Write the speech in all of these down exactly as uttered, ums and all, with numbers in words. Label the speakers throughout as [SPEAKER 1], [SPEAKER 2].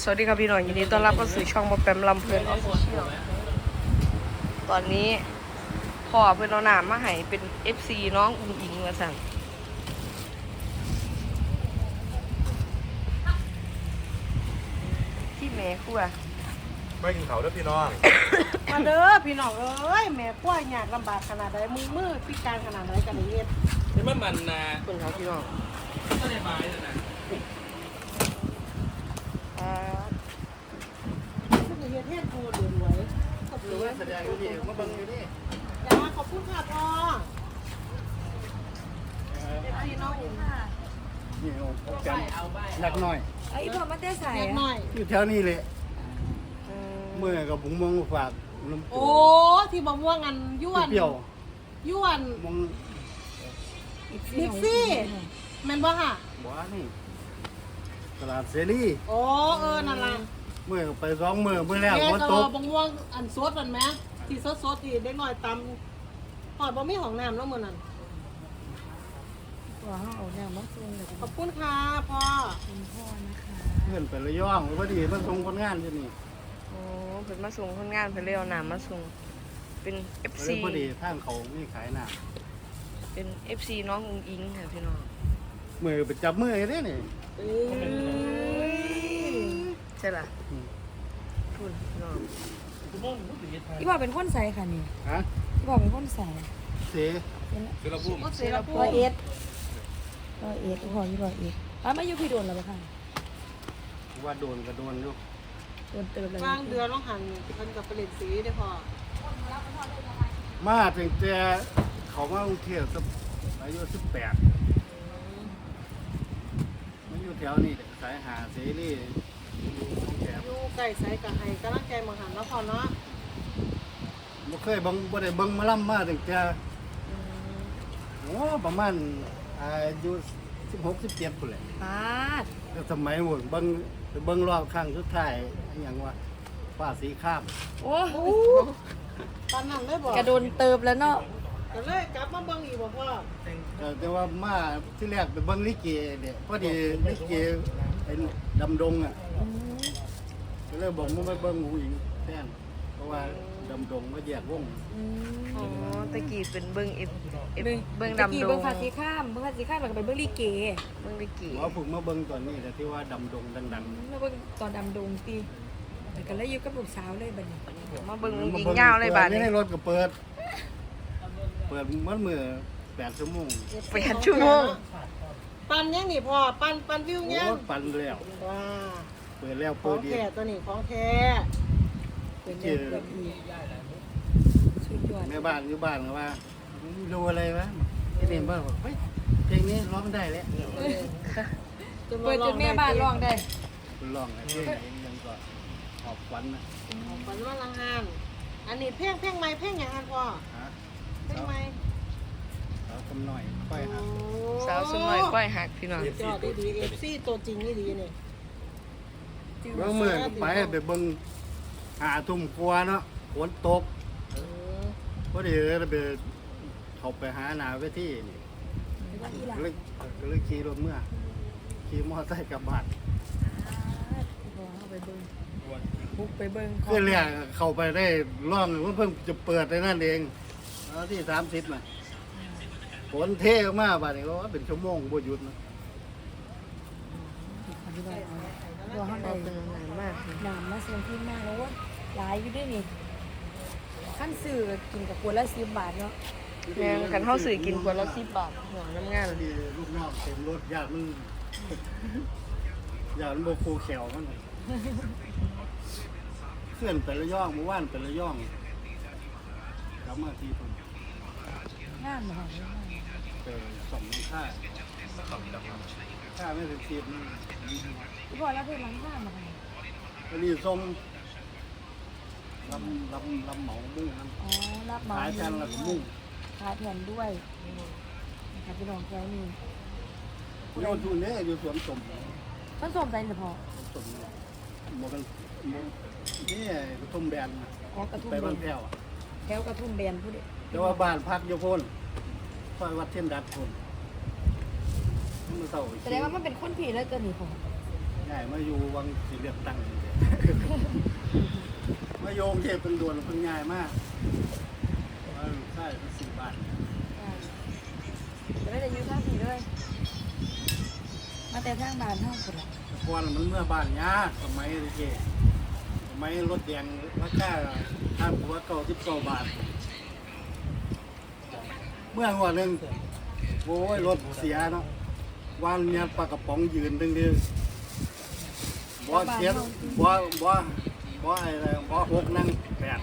[SPEAKER 1] สวัสดีครับพี่น้องยินดีต้อนรับเข้าสู่ช่องมาแปมลำเพลินออฟฟิเชียลตอนนี้พ่อเพื่อนเอาหนามมาให้เป็น เอฟ ซี น้องอุ้งอิงมาสั่งที่แม่ครัว
[SPEAKER 2] ไม่กินเขาด้วยพี่น้อง
[SPEAKER 3] มาเด้อพี่น้องเอ้ยแม่ป่วยยากลำบากขนาดใดมือมือพิการขนาดไหนกันนี่เฮ็ด
[SPEAKER 4] นี่มันมันนะ
[SPEAKER 1] คนเขาพี่น้อง
[SPEAKER 4] ก็เลยไม้เลยนะ
[SPEAKER 1] อ่า
[SPEAKER 3] มันจะเฮ็ดเฮ็ดกูเดือดรวยขอบ
[SPEAKER 2] ห
[SPEAKER 3] คุ
[SPEAKER 2] รือ
[SPEAKER 3] ณ
[SPEAKER 2] ว่าแสดงอยู่นี่มาเบังอยู่นี่
[SPEAKER 3] จ้าขอบคุณค่ะพ่อพี่น้อง
[SPEAKER 2] นี่โอ้โหแกมหนักหน่อย
[SPEAKER 5] ไอ้พ่อมันได้ใส่
[SPEAKER 3] แยกหน่อย
[SPEAKER 2] อยู่แถวนี้เลย
[SPEAKER 1] อืม
[SPEAKER 2] เมื่อกับผมมองฝากน้ำ
[SPEAKER 3] โอ้ที่มะม่วงอันย้วน
[SPEAKER 2] เปรี้ยว
[SPEAKER 3] ย้วน
[SPEAKER 2] มอง
[SPEAKER 3] บิ๊กซี่แม่นบ่ค่ะ
[SPEAKER 2] บ้านี่ตลาดเสรี
[SPEAKER 3] โอ้เออนั่นล่ะ
[SPEAKER 2] เมื่อไปสองเมื่อเมื่อแล้ว
[SPEAKER 3] แม่
[SPEAKER 2] ฝน
[SPEAKER 3] ก็
[SPEAKER 2] ตก
[SPEAKER 3] บะม่วงอันสดนั่นแหมที่สดๆที่เด็กน้อยตำหอดบ่มีของน้ำแล้วมื้อนั้น
[SPEAKER 5] ตัวห้องเอาแนวมาส่งเลย
[SPEAKER 3] ขอบคุณค่ะพ่อ
[SPEAKER 5] คุณพ่อนะคะ
[SPEAKER 2] เพื่อนไประย่องพอดีมันส่งคนงานที่นี่
[SPEAKER 1] โอ้เป็นมาส่งคนงานเพื่อนเรียกเอาหนามมาส่งเป็น เอฟ
[SPEAKER 2] เล
[SPEAKER 1] ซี
[SPEAKER 2] ยพอดีทางเขาไม่ขายน้
[SPEAKER 1] เป็น เอฟ ซี น้องอุ้งอิงค่ะพี่น้อง
[SPEAKER 2] ำมือไปจับมือได้นี่
[SPEAKER 3] เอ้ย
[SPEAKER 1] ใช่ล่ะพูดพี่น้อง
[SPEAKER 4] คุณพ่อผมถึงยึดไทย
[SPEAKER 5] พี่พ่อเป็นคนใส่ค่ะนี่
[SPEAKER 2] ฮะ
[SPEAKER 5] พี่พ่อเป็นคนใส่
[SPEAKER 2] เสีย
[SPEAKER 4] คือเราพูด
[SPEAKER 3] เสร็จแล้ว
[SPEAKER 5] ร้อยเอ็ดร้อยเอ็ดพี่พ่ออยู่ร้อยเอ็ดป้ามาอยู่พี่โดนแล้วปะค่ะ
[SPEAKER 2] ว่าโดนก็โดนอยู่
[SPEAKER 5] โดนเติมเลย
[SPEAKER 3] กลางเดือนต้องหันเพิ่นกับผลิตสีได้พอ
[SPEAKER 2] มาถึงแต่เขามากรุงเทพสักอายุสิบแปดมันอยู่แถวนี้สายหาเสรีอยู่ของแถว
[SPEAKER 3] อยู่ใกล้ไสกับไห้กำลังใจมาหันแล้วพอเนาะ
[SPEAKER 2] บ่เคยเบังบ่ได้เบิ่งหมาล่ำมาถึงแต่โอ้ประมาณอายุสิบหก สิบเจ็ดพุ่นแหละ
[SPEAKER 5] ป้าด
[SPEAKER 2] แต่สมัยหมดเบิ่งไปเบิ่งรอบครั้งสุดท้ายอหย่างว่าฟ้าสีข้าม
[SPEAKER 5] โอ้
[SPEAKER 3] โอ้ตอนนั้นเลยบอก
[SPEAKER 5] กระโดนเติมแล้วเนาะ
[SPEAKER 3] ก็เลยกลับมาเบิ่งอีกบอกว่า
[SPEAKER 2] แต่แต่ว่ามาที่แรกไปเบิ่งลิเกเนี่ยพอดีลิเกไอ้ดำดงอ่ะ
[SPEAKER 5] อืม
[SPEAKER 2] ก็เลยบอกมึงไปเบิ่งหูหญิงแทนเพราะว่าดำดงมาแยกวง
[SPEAKER 5] อืม
[SPEAKER 1] อ๋อตะกี้เป็นเบิ้งเอฟเอฟ
[SPEAKER 5] เบิ่ง
[SPEAKER 1] เบิ้ง
[SPEAKER 5] ตะ
[SPEAKER 1] ดำ
[SPEAKER 5] กี้
[SPEAKER 1] ด
[SPEAKER 5] เบิ่
[SPEAKER 1] ง
[SPEAKER 5] งภาษีข้ามเบิ่งภาษีข้ามแล้วก็ไปเบิ่งลีเก
[SPEAKER 1] เบิ้งตะกี้
[SPEAKER 2] หมอฝึกมาเบิ่งตอนนี้แต่ที่ว่าดำดงดังๆ
[SPEAKER 5] แล้วเบิ่งตอนดำดงตีแต่ก็เลยอยู่กับลูกสาวเลยบัดนี้
[SPEAKER 1] มาเบิ้งยิงยาวเลยบาด
[SPEAKER 2] นี่
[SPEAKER 1] นี้
[SPEAKER 2] ในรถก็เปิด เปิดเมื่อมือแปดชั่วโมง
[SPEAKER 1] แปดชั่วโมง
[SPEAKER 3] ปันยังนี่พอปันปันวิว
[SPEAKER 2] โอ้
[SPEAKER 3] ยัง
[SPEAKER 2] ปั่นแล้ว
[SPEAKER 3] ว้า
[SPEAKER 2] เปิดแล้ว
[SPEAKER 3] ขอ
[SPEAKER 2] เปิด
[SPEAKER 3] ง
[SPEAKER 2] ดี
[SPEAKER 3] แท้ตัวนี้ของแท้
[SPEAKER 5] เป็นเรื่องแบบนี้สุดยอด
[SPEAKER 2] แม่บ้านอยู่บ้านก็ว่าดูอะไรวะไอ้นี่บ้านบอกเฮ้ยเพลงนี้ร้องได้แล้ว
[SPEAKER 5] เปิดจนแม่บ้านร้องได้
[SPEAKER 2] ร้องไอ้เพลงไหนยังก็ขอบฝันนะ
[SPEAKER 3] ของปันว่าลังงานอันนี้เพ่งเพ่งไม้เพ่งอย่างนั้นพ่อ
[SPEAKER 2] ฮะ
[SPEAKER 3] เพ่งไม้
[SPEAKER 2] สาวกำหน่อยค่อยหัก
[SPEAKER 1] สาวสมอยก้อยหักพี่น้อง
[SPEAKER 3] ยอดดีเอฟซีตัวจริงนี่ดีนี่
[SPEAKER 2] เมื่อมือก็ไปไปเบิ่งหาทุ่มกลัวเนาะฝนตกพอดีเลยไปเขาไปหาหนาเวทีนี่ ก็เลยก็เลยขี่รถเมื่อขี่มอเตอร์ไซค์กลับบ้าน
[SPEAKER 5] ไปเบิ้งบุกไปเบิ้ง
[SPEAKER 2] คือเรียกเข้าไปได้ร่องว่าเพิ่งจะเปิดในนั่นเองเอาที่สามสิบน่ะฝนเทออกมาบ้านนี้ก็ว่าเป็นชั่วโมงบ่หยุดนะ
[SPEAKER 5] ตัวห้อง
[SPEAKER 1] ก็
[SPEAKER 5] ใด
[SPEAKER 1] เป็นนานมากค่ะ
[SPEAKER 5] น้ำมาส่งที่มากแล้วว่าหลายอยู่ด้วยนี่ขั้นสื่อกินกับขวดละสิบบาทเนาะ
[SPEAKER 1] แม่งกันเข้าสื่อกินคนละสิบบาทหัวน้ำงาน
[SPEAKER 2] พอดีลูกน้องเต็มรถญาติมันญาติมันโบคูแขวมันเพื่อนไประย่องเมื่อวานไประย่องกลับมาที่ผม
[SPEAKER 5] งามเหรอ
[SPEAKER 2] เจอสองน้ำค่าค่าไม่ถึงสิบนี่
[SPEAKER 5] พี่บอยแล้วเพื่อนร้านข้ามมาไง
[SPEAKER 2] อันนี้ส้มลำลำลำเหมามุ่งน้
[SPEAKER 5] อ๋อรับ
[SPEAKER 2] ำ
[SPEAKER 5] มา
[SPEAKER 2] ขายกันแล้วก็มุ่ง
[SPEAKER 5] ขายแผ่นด้วยนะครับพี่น้องแค่นี้
[SPEAKER 2] โยนทุนเนี่ยอยู่สวนสม
[SPEAKER 5] ต้นส้มใจเฉพาะ
[SPEAKER 2] สมหมกันหมนี่กระทุ่มแบน
[SPEAKER 5] อ๋อกระทุ่ม
[SPEAKER 2] ไป
[SPEAKER 5] แบ
[SPEAKER 2] บ้าน
[SPEAKER 5] น
[SPEAKER 2] แพ้วอะ
[SPEAKER 5] แถวกระทุ่มแบนผู้เด็ก
[SPEAKER 2] แต่ว่าบ้านพักโยพนซอยวัดเทียนดัดพนมันเศร้า
[SPEAKER 5] แสดงว่ามันเป็นคนผีแล้วเกินนี่ผม
[SPEAKER 2] แง่ายมาอยู่วังสีเลือกตั้งนี่ มาโยงเทพเป็นด่วนเป็นง่ายมากว่าใช่เป็นสี่บาท
[SPEAKER 5] จะได้แต่ยืนท่าผีเลยมาแต่ทางบ้านเท่าคนละ
[SPEAKER 2] แต่ก่อนมันเมื่อบ้านยากสมัยเด็กสมัยรถแดงราคาห้าหัวเก้าสิบเก้าบาท เมื่อวันหนึ่งโอ้ยรถเสียเนาะวันเนี้ยปลากระป๋องยืนดึงดึงบ่เสียบ่บ่บ่อะไรบ่หกนั่งแปด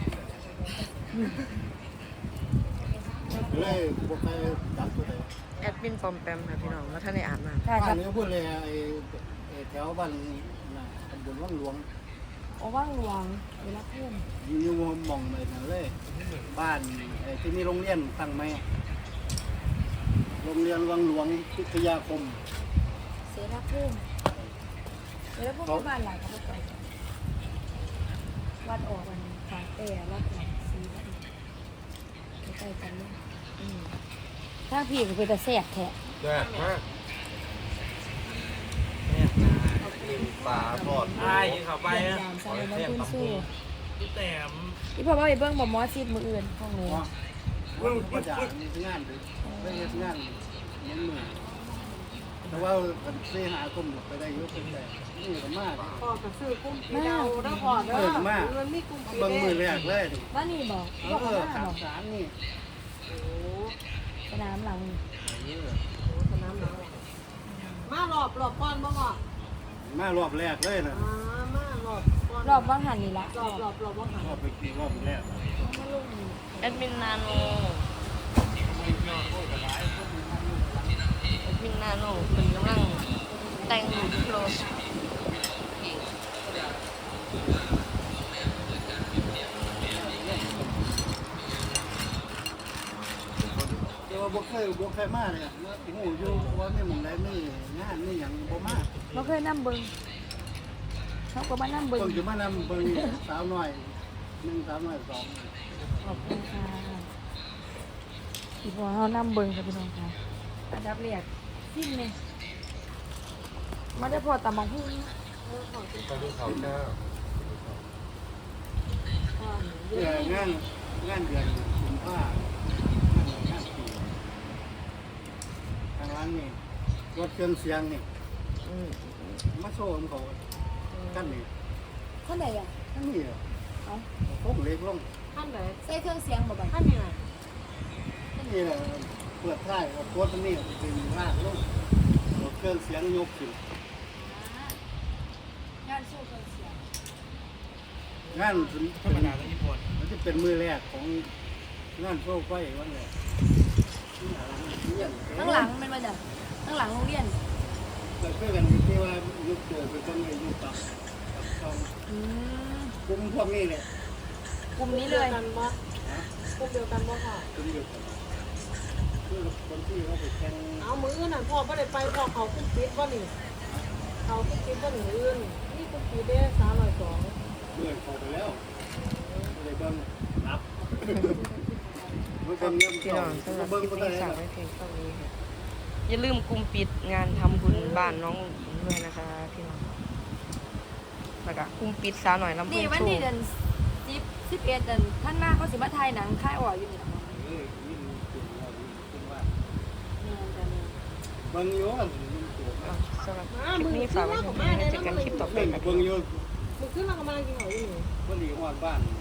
[SPEAKER 2] เลยบ่เคยจับตัวใด
[SPEAKER 1] แอดมินปอมแปมค่ะพี่น้องแล้วท่านได้อ่านมา
[SPEAKER 5] ค่ะค
[SPEAKER 2] บ้า
[SPEAKER 5] รั
[SPEAKER 2] น
[SPEAKER 5] บ
[SPEAKER 2] นี้พูดเลยไอ้ไอ้แถวบ้านน่ะตำบลวังหลวง
[SPEAKER 5] โอ้ว่างหลวงเวลาเพื่อน
[SPEAKER 2] อยู่หม่องเลยนั่นเลย บ้านไอ้ที่มีโรงเรียนตั้งไหมโรงเรียนวังหลวงพิทยาคม
[SPEAKER 5] เสรีเพื่อนเวลาเพื่อนที่บ้านหลังเขาไปวัดออกวันฝาแต่วัดหลังซีวัดใกล้ๆกันเลยอืมถ้าพี่ก็เป็นแต่แสบแทะ
[SPEAKER 4] แซ่บมากปลาทอดใช่เข้าไป
[SPEAKER 5] เยี่ยม
[SPEAKER 4] อ่ะ
[SPEAKER 5] ยามซาเลยน้ำพุ่นสู้
[SPEAKER 4] พี่แต้ม
[SPEAKER 5] พี่พ่อว่าไปเบิ้งบ่มอซีดมืออื่นห้องนี้
[SPEAKER 2] ว่าว่าก็จะมีงานดิไปเฮ็ดงานมันเหนื่อยแต่ว่ากันเสียหาคมไปได้เยอะเป็นแต่นี่ก็มาก
[SPEAKER 3] พ่อก็ซื้อกุ้งปีเดาเด้อพ่อเด้อ
[SPEAKER 2] เปิดมาก
[SPEAKER 3] มันมีกุ้งปี
[SPEAKER 2] เบิ่งมือแร
[SPEAKER 3] เด้
[SPEAKER 2] กเลยดิ
[SPEAKER 5] ว่านี่บอก
[SPEAKER 2] เอ
[SPEAKER 5] บอก
[SPEAKER 2] อ
[SPEAKER 5] ว่า
[SPEAKER 2] สา
[SPEAKER 5] บ
[SPEAKER 2] ม
[SPEAKER 5] อก
[SPEAKER 2] สามนี่
[SPEAKER 3] โอ้
[SPEAKER 5] สนามหลัง
[SPEAKER 3] โหสนามหนาวมารอบรอบก่อนบ่พ่อ
[SPEAKER 2] มารอบแรกเลยนะ
[SPEAKER 3] อ่ามารอบก่อน
[SPEAKER 5] รอบว่างหันนี่ละ
[SPEAKER 3] รอบรอบรอบบ่หัน
[SPEAKER 2] รอบไปกี่รอบแรก
[SPEAKER 5] มาลงนี่
[SPEAKER 1] แอดมินนาโนแอดมินนาโนเป็นกำลังแต่งรูปโพสต์เอง
[SPEAKER 2] แต่ว่าบ่เคยบ่เคยมาเลยโอ้โหอยู่ว่าไม่หมองใดไม่งานไม่หยังบ่มา
[SPEAKER 5] เราเคยนั่งเบิ้งเขาก็มานั่งเบิ้ง
[SPEAKER 2] เพิ่งจะมานำเบิ่งสาวน้อยหนึ่งสาวน้อยสอง
[SPEAKER 5] ขอบคุณค่ะอีพอเขานั่งเบิ้งค่ะพี่น้องค่ะอันดับแรกสิ้นเลยมาได้พอตำบังพุ่ง
[SPEAKER 4] ไปดูเขาเจ้า
[SPEAKER 2] เพื่องานงานเดือนกุมภาพันธ์งานงานปีทางร้านนี่รถเครื่องเสียงนี่
[SPEAKER 1] อืม
[SPEAKER 2] มาโชว์ของเขากันนี่
[SPEAKER 5] ท่านไหนอ่ะ
[SPEAKER 2] ท่านนี่เหรอ
[SPEAKER 5] เอา
[SPEAKER 2] พกเล็กลง
[SPEAKER 3] ท่านไหน
[SPEAKER 5] ใส่เครื่องเสียงบ่บัด
[SPEAKER 3] ท่านนี่ไหน
[SPEAKER 2] ท่านนี่แหละเปิดท้ายเอาตัวนี้เป็นรากลงรถเครื่องเสียงยกขึ้น
[SPEAKER 5] งานสู้เครื่องเสียง
[SPEAKER 2] งาน
[SPEAKER 4] ธรรมดาแล้วญี่ปุ่น
[SPEAKER 2] มันจะเป็นมือแรกของงานโชว์ไฟวันแรก
[SPEAKER 5] ข้างหลังเป็นมาจากข้างหลังโรงเรียน
[SPEAKER 2] เราเพื่อกันที่ว่ายุคตัวเป็นต้นไม้ยุคต่ำกับช่อง
[SPEAKER 5] อืม
[SPEAKER 2] กลุ่มพวกนี้เลย
[SPEAKER 5] กลุ่มนี้
[SPEAKER 3] เดี
[SPEAKER 5] เลย
[SPEAKER 3] วย กันบ่พวกเดียวกันบ่พ่อก
[SPEAKER 2] ลุ่มเดียวกันคือคนที่เขาไปแข่ง
[SPEAKER 3] เอามืออื่นนั่นพ่อบ่ได้ไปพ่อเขากุ้งปิดบ่นี่เขากุ้งปิดบ่นี่อื่นนี่กุ้งปิดเด้สามร้อยสอง
[SPEAKER 2] เมื่อเขาไปแล้วเลยเบิ้งรับเบิ้งเงิน
[SPEAKER 1] พี่น้องสำหรับค
[SPEAKER 2] เบิ้ง
[SPEAKER 1] ลิป
[SPEAKER 2] ก็ได้
[SPEAKER 1] นี้ฝากไว้เพียงเท่านี้ค่ะอย่าลืมกลุ่มปิดงานทำบุญบ้านน้องอุ๋งอิ๋งด้วยนะคะพี่น้องแล้วก็กลุ่มปิดสาวหน่อยลำพู
[SPEAKER 5] นี่
[SPEAKER 1] น
[SPEAKER 5] วัน
[SPEAKER 1] โช
[SPEAKER 5] นี้
[SPEAKER 1] ว์
[SPEAKER 5] เดือนสิบสิบเอ็ดเดือนท่านมาเขาสิมาถ่ายหนังค่ายอ่อยอยู่นี่ล่ะ
[SPEAKER 2] เออยิ่งเก่งเรายิ่งว่า
[SPEAKER 5] เนี่ยจะเนี่ย
[SPEAKER 2] เบิ้งโยนยิ่งตัว
[SPEAKER 1] อ่ะสำหรับคลิปนี้ฝากไว้เพียงเท่านี้เจอกันคลิปต่อไป
[SPEAKER 2] เบิ้ง
[SPEAKER 1] ค่ะ
[SPEAKER 2] เบิ้งโยน
[SPEAKER 3] มึงขึ้นมาก็มากินเขาอยู่นี่
[SPEAKER 2] คนดีหอดบ้าน